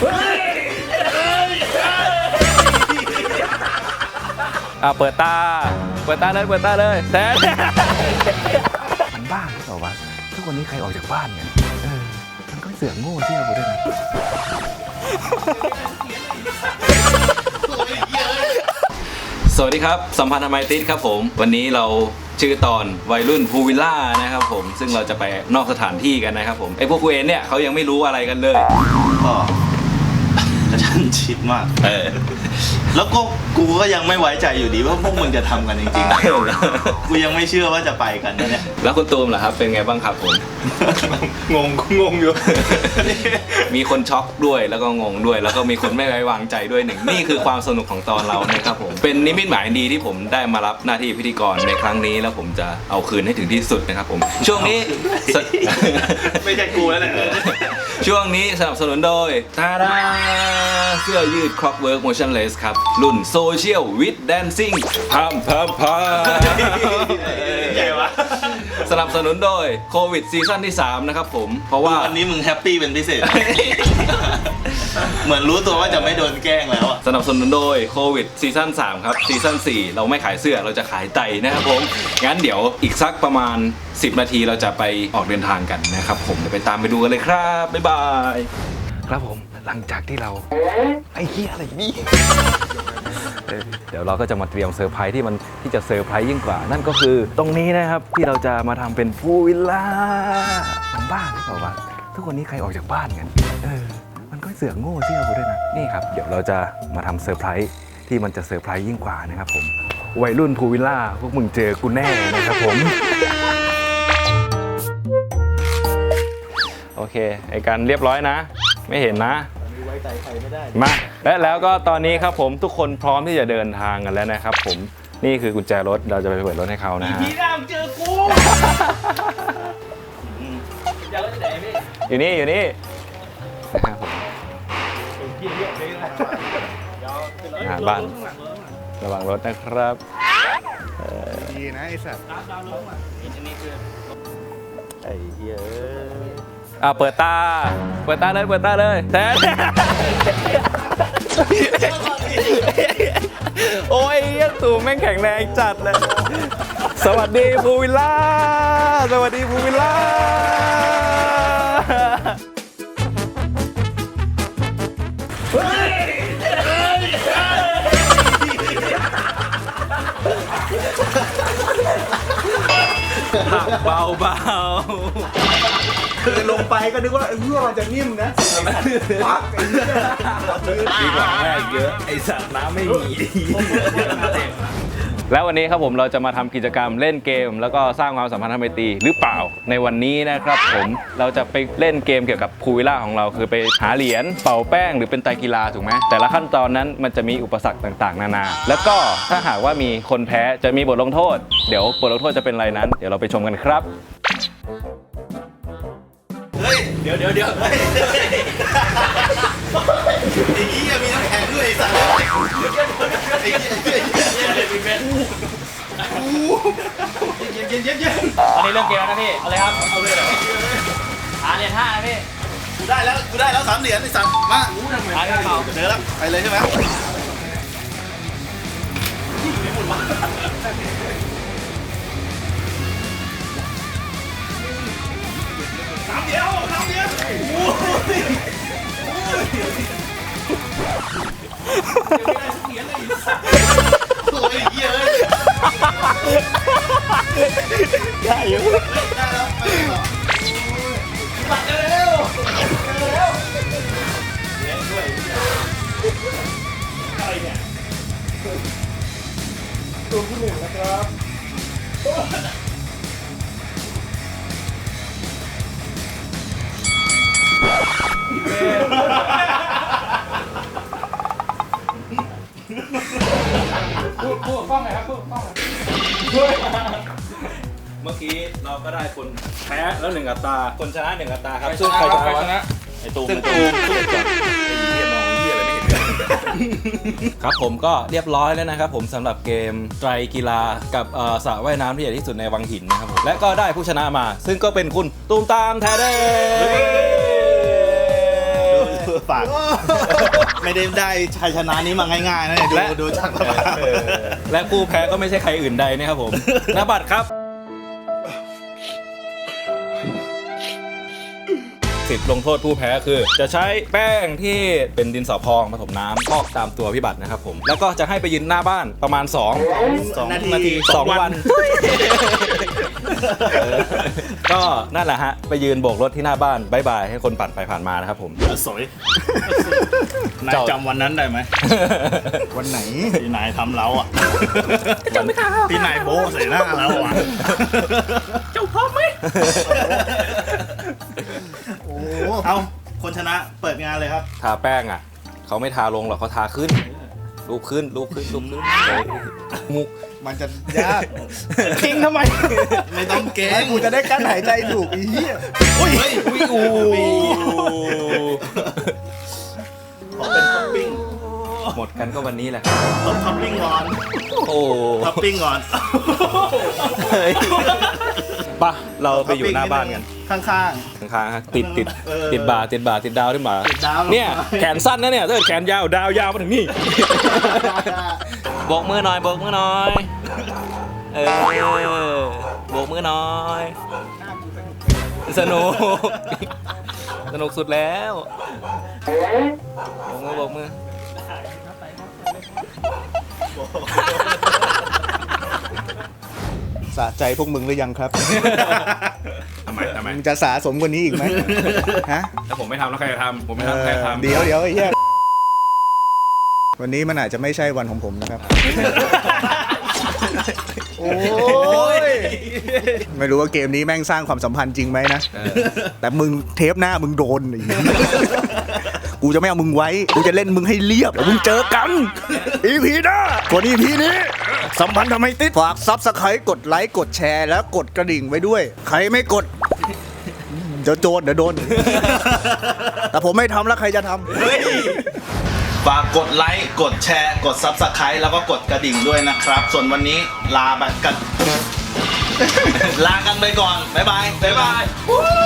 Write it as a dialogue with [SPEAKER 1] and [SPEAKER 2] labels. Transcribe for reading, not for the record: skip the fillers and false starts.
[SPEAKER 1] เปิดตาเลยแทนมันบ้าหรือเปล่าวะทุกวันนี้ใครออกจากบ้านกันมันก็เสือกโง่เชื่อกูด้วยนะสวัสดีครับสัมพันธ์ทำไมติดครับผมวันนี้เราชื่อตอนวัยรุ่นพูวิลล่านะครับผมซึ่งเราจะไปนอกสถานที่กันนะครับผมไอ้พวกกูเองเนี่ยเขายังไม่รู้อะไรกันเลย
[SPEAKER 2] ก็กระชั้นชิดมากแล้วก็กูก็ยังไม่ไว้ใจอยู่ดีว่าพวกมึงจะทำกันจริงๆกูยังไม่เชื่อว่าจะไปกันเนี่ย
[SPEAKER 1] แล้วคุณตูมล่ะครับเป็นไงบ้างครับผม
[SPEAKER 2] งงอยู่
[SPEAKER 1] มีคนช็อกด้วยแล้วก็งงด้วยแล้วก็มีคนไม่ไว้วางใจด้วยหนึ่งนี่คือความสนุกของตอนเรานะครับผมเป็นนิมิตหมายดีที่ผมได้มารับหน้าที่พิธีกรในครั้งนี้แล้วผมจะเอาคืนให้ถึงที่สุดนะครับผมช่วงนี้
[SPEAKER 2] ไม่ใช่กูแล้วแหละ
[SPEAKER 1] ช่วงนี้สนับสนุนโดยตาดาเสื้อยืด Clockwork Motionless ครับรุ่น Social with Dancing พัม
[SPEAKER 2] ใหญ่วะ
[SPEAKER 1] สนับสนุนโดยโควิดซีซั่นที่3นะครับผมเพราะว่า
[SPEAKER 2] วันนี้มึงแฮปปี้เป็นพิเศษ เหมือนรู้ตัวว่าจะไม่โดนแกล้งแล้วส
[SPEAKER 1] นับสนุนโดยโควิดซีซั่น3ครับซีซั่น4เราไม่ขายเสื้อเราจะขายไตนะครับผมงั้นเดี๋ยวอีกสักประมาณ10นาทีเราจะไปออกเดินทางกันนะครับผมเดี๋ยวไปตามไปดูกันเลยครับบ๊ายบายครับผมหลังจากที่เราไอ้เหี้ยอะไรนี่เดี๋ยวเราก็จะมาเตรียมเซอร์ไพรส์ที่จะเซอร์ไพรส์ยิ่งกว่านั่นก็คือตรงนี้นะครับที่เราจะมาทำเป็นพูลวิลล่ามันบ้าหรือเปล่าวะทุกวันนี้ใครออกจากบ้านกันมันก็เสือกโง่เชื่อกูด้วยนะนี่ครับเดี๋ยวเราจะมาทำเซอร์ไพรส์ที่มันจะเซอร์ไพรส์ยิ่งกว่านะครับผมวัยรุ่นพูลวิลล่าพวกมึงเจอกูแน่นะครับผมโอเคไอ้การเรียบร้อยนะไม่เห็นนะ
[SPEAKER 2] ไว้ใจใครไม่ได้
[SPEAKER 1] มาแล้วก็ตอนนี้ครับผมทุกคนพร้อมที่จะเดินทางกันแล้วนะครับผมนี่คือกุญแจรถเราจะไปเปิดรถให้เขานะฮะ
[SPEAKER 2] พี่ดำเจอกู
[SPEAKER 1] กุญแจรถที่ไหนพี่อยู่นี่นะครับผมบ้านระวังรถนะครับ
[SPEAKER 2] ดีนะไอ้สัตว์ไอ้เหี้ย
[SPEAKER 1] เปิดตาเลยแทนโอ้ยตูแม่งแข็งแรงจัดเลยสวัสดีพูลวิลล่าเบา
[SPEAKER 2] คือลงไปก็นึกว่าเพื่อมันจะนิ่มนะปักไอ้เหี้ย
[SPEAKER 1] ดีกว่าแรกเยอะไอ้สัตว์น้ำไม่มีแล้ววันนี้ครับผมเราจะมาทำกิจกรรมเล่นเกมแล้วก็สร้างความสัมพันธ์ทางไมตรีหรือเปล่าในวันนี้นะครับผมเราจะไปเล่นเกมเกี่ยวกับพูลวิลล่าของเราคือไปหาเหรียญเป่าแป้งหรือเป็นไตรกีฬาถูกไหมแต่ละขั้นตอนนั้นมันจะมีอุปสรรคต่างๆนานาแล้วก็ถ้าหากว่ามีคนแพ้จะมีบทลงโทษเดี๋ยวบทลงโทษจะเป็นอะไรนั้นเดี๋ยวเราไปชมกันครับ
[SPEAKER 2] เดี๋ยวไอ้ยี่มีน้ำแข็งด้วยไอ้สัตว์เย็น
[SPEAKER 3] อันนี้เรื่องเกมแล้วนะพี่เอาเลยครับเอาเลยเหรอเหรียญ5นะพี่
[SPEAKER 2] กูได้แล้ว3เหรียญไอ้สัตว์มาเจอแล้วไปเลยใช่ไหม3เดียวโอ้ยโอ้ยเยอะ
[SPEAKER 1] ได้อยู่
[SPEAKER 2] ได้แล้วไปต่อปัดเร็วเล่นด้วยอะไรเนี่ยตัวที่1นะครับ
[SPEAKER 3] พูดฟ้องหน่อยครับพูดฟ้องหน่อย
[SPEAKER 1] เมื่อกี้เราก็ได้คนแพ้แล้ว1 อัตราคนชนะ1 อัตราครับ
[SPEAKER 3] ซึ่งใครชนะ
[SPEAKER 1] ไอ้ตูมไอ้เหี้ยมองเหี้ยอะไรไม่เห็นครับผมก็เรียบร้อยแล้วนะครับผมสำหรับเกมไตรกีฬากับสระว่ายน้ำที่ใหญ่ที่สุดในวังหินนะครับผมและก็ได้ผู้ชนะมาซึ่งก็เป็นคุณตูมตามแท้เด้
[SPEAKER 2] ฝาก ไม่ได้ชัยชนะนี้มาง่ายๆนะเนี่ยดูจากสภาพ
[SPEAKER 1] และผู้แพ้ก็ไม่ใช่ใครอื่นใดนะครับผม นบัตรครับสิทธิ์ลงโทษผู้แพ้คือ จะใช้แป้งที่เป็นดินสอพองผสมน้ำพอกตามตัวพี่บัตรนะครับผมแล้วก็จะให้ไปยืนหน้าบ้านประมาณ2 นาที2 วัน ก็นั่นแหละฮะไปยืนโบกรถที่หน้าบ้านบายบายให้คนผ่านไปผ่านมานะครับผม
[SPEAKER 2] สวยนายจำวันนั้นได้ไหม
[SPEAKER 4] วันไหน
[SPEAKER 2] ที่นายทำเราอ่ะ
[SPEAKER 1] จำไม่ได้
[SPEAKER 2] ที่นายโบ้ใส่หน้าเราอ่ะ
[SPEAKER 1] เจ้าพร้อมไหม
[SPEAKER 4] โอ้
[SPEAKER 2] เอาคนชนะเปิดงานเลยครับ
[SPEAKER 1] ทาแป้งอ่ะเขาไม่ทาลงหรอกเขาทาขึ้นรูปขึ้นมุก
[SPEAKER 4] มันจะยากทิ้งทำไม
[SPEAKER 2] ไม่ต้องเก่ง
[SPEAKER 4] กูจะได้กั้นหายใจถูกอีเหี้ย
[SPEAKER 2] อุ้ยอูขอเป็นท็อปปิ้ง
[SPEAKER 1] หมดกันก็วันนี้แหละ
[SPEAKER 2] ท็อปปิ้งก่อน
[SPEAKER 1] โอ้
[SPEAKER 2] ท็อปปิ้งก่อน
[SPEAKER 1] ปะเราไปอยู่หน้าบ้านกัน
[SPEAKER 2] ข้าง
[SPEAKER 1] ข้างๆฮะติด
[SPEAKER 2] เออ
[SPEAKER 1] ติดบ่าติดดาวที่บ่า
[SPEAKER 2] ติดดาว
[SPEAKER 1] เนี่ยแขนสั้นนะเนี่ยถ้าเกิดแขนยาวดาวยาวมาถึงนี่โบกมือหน่อยโบกมือหน่อยโบกมือหน่อยสนุกสุดแล้วโบกมือ
[SPEAKER 4] สะใจพวกมึงหรือยังครับ
[SPEAKER 1] ทำไม
[SPEAKER 4] มึงจะสะสมกว่านี้อีกไหมฮะ
[SPEAKER 1] ถ้าผมไม่ทำแล้วใครจะทำผมไม่ทำใครจะทำ
[SPEAKER 4] เดี๋ยวไอ้เหี้ยวันนี้มันอาจจะไม่ใช่วันของผมนะครับ โอ้ยไม่รู้ว่าเกมนี้แม่งสร้างความสัมพันธ์จริงไหมนะ แต่มึงเทปหน้ามึงโดนไอ้เหี้ยกูจะไม่เอามึงไว้ กูจะเล่นมึงให้เรียบแล้วมึงเจอกัน EP หน้าส่วน EP นี้ สัมพันธ์ทำไมติด ฝากซับสไครต์กดไลค์กดแชร์แล้วกดกระดิ่งไว้ด้วย ใครไม่กด เดี๋ยวโจรเดี๋ยวโดน แต่ผมไม่ทำแล้วใครจะทำ
[SPEAKER 2] ฝากกดไลค์ กดแชร์ กด Subscribe แล้วก็กดกระดิ่งด้วยนะครับ ส่วนวันนี้ลากัน ลากันไปก่อน บ๊ายบาย
[SPEAKER 1] บ๊ายบาย